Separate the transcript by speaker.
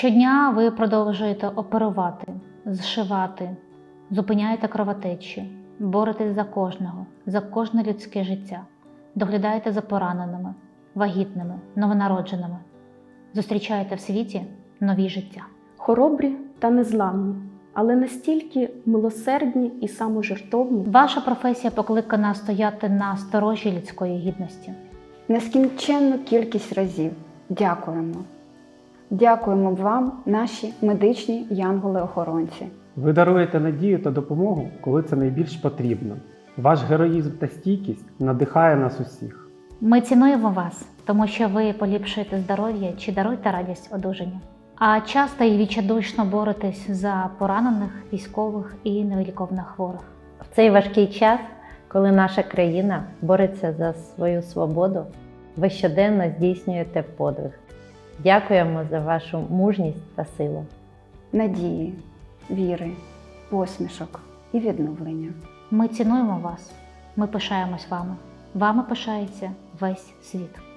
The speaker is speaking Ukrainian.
Speaker 1: Щодня ви продовжуєте оперувати, зшивати, зупиняєте кровотечі, боретесь за кожне людське життя, доглядаєте за пораненими, вагітними, новонародженими, зустрічаєте в світі нові життя.
Speaker 2: Хоробрі та незламні, але настільки милосердні і саможертовні.
Speaker 1: Ваша професія покликана стояти на сторожі людської гідності.
Speaker 3: Нескінченну кількість разів дякуємо. Дякуємо вам, наші медичні янголи-охоронці.
Speaker 4: Ви даруєте надію та допомогу, коли це найбільш потрібно. Ваш героїзм та стійкість надихає нас усіх.
Speaker 1: Ми цінуємо вас, тому що ви поліпшуєте здоров'я чи даруєте радість одужання. А часто і відчайдушно боретесь за поранених, військових і невиліковно хворих.
Speaker 5: В цей важкий час, коли наша країна бореться за свою свободу, ви щоденно здійснюєте подвиг. Дякуємо за вашу мужність та силу.
Speaker 3: Надії, віри, посмішок і відновлення.
Speaker 1: Ми цінуємо вас, ми пишаємось вами. Вами пишається весь світ.